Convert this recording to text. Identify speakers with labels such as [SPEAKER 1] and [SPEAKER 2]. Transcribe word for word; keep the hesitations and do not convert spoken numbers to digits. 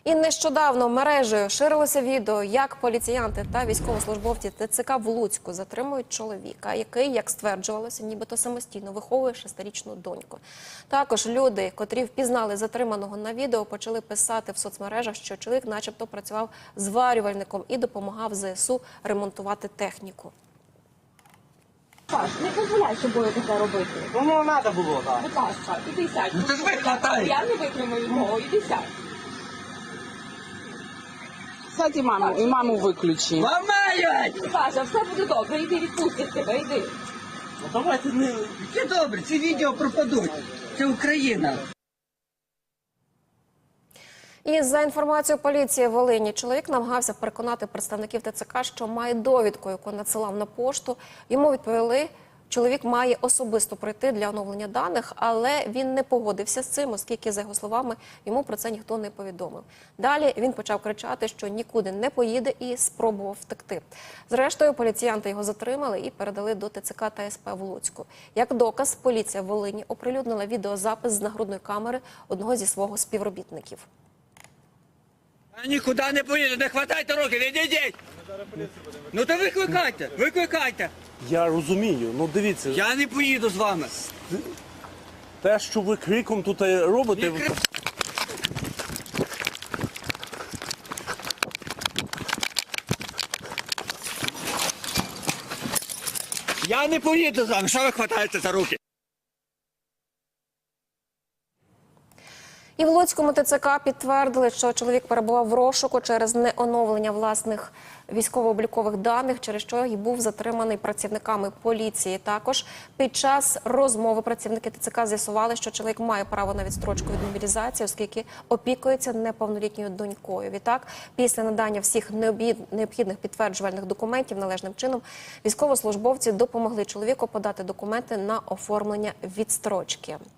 [SPEAKER 1] І нещодавно мережею ширилося відео, як поліціянти та військовослужбовці ТЦК в Луцьку затримують чоловіка, який, як стверджувалося, нібито самостійно виховує шестирічну доньку. Також люди, котрі впізнали затриманого на відео, почали писати в соцмережах, що чоловік начебто працював зварювальником і допомагав ЗСУ ремонтувати техніку.
[SPEAKER 2] Паш, не дозволяй собою таке робити.
[SPEAKER 3] Ну, не треба було, так.
[SPEAKER 2] Будь ласка, іди сядь.
[SPEAKER 3] Ну, ти ж викладай.
[SPEAKER 2] Я не витримаю мого, іди сядь.
[SPEAKER 4] Сядь і маму, і маму виключи.
[SPEAKER 3] Ламають!
[SPEAKER 2] Саша, все буде добре, іди відпустять тебе, іди.
[SPEAKER 3] Ну, давайте не... Яке добре, ці відео пропадуть. Це Україна.
[SPEAKER 1] І за інформацією поліції Волині, чоловік намагався переконати представників ТЦК, що має довідку, яку надсилав на пошту. Йому відповіли, чоловік має особисто прийти для оновлення даних, але він не погодився з цим, оскільки, за його словами, йому про це ніхто не повідомив. Далі він почав кричати, що нікуди не поїде і спробував втекти. Зрештою, поліціянти його затримали і передали до ТЦК та СП в Луцьку. Як доказ, поліція в Волині оприлюднила відеозапис з нагрудної камери одного зі свого співробітників.
[SPEAKER 5] Я нікуди не поїду, не хватайте руки, не йдіть! Ну то викликайте, викликайте.
[SPEAKER 6] Я розумію, ну дивіться,
[SPEAKER 5] Я не поїду з вами.
[SPEAKER 6] те, що ви криком тут робите,
[SPEAKER 5] Не крик- Я не поїду з вами, що ви хватаєте за руки?
[SPEAKER 1] І в Луцькому ТЦК підтвердили, що чоловік перебував в розшуку через неоновлення власних військово-облікових даних, через що й був затриманий працівниками поліції. Також під час розмови працівники ТЦК з'ясували, що чоловік має право на відстрочку від мобілізації, оскільки опікується неповнолітньою донькою. Відтак, після надання всіх необхідних підтверджувальних документів належним чином, військовослужбовці допомогли чоловіку подати документи на оформлення відстрочки.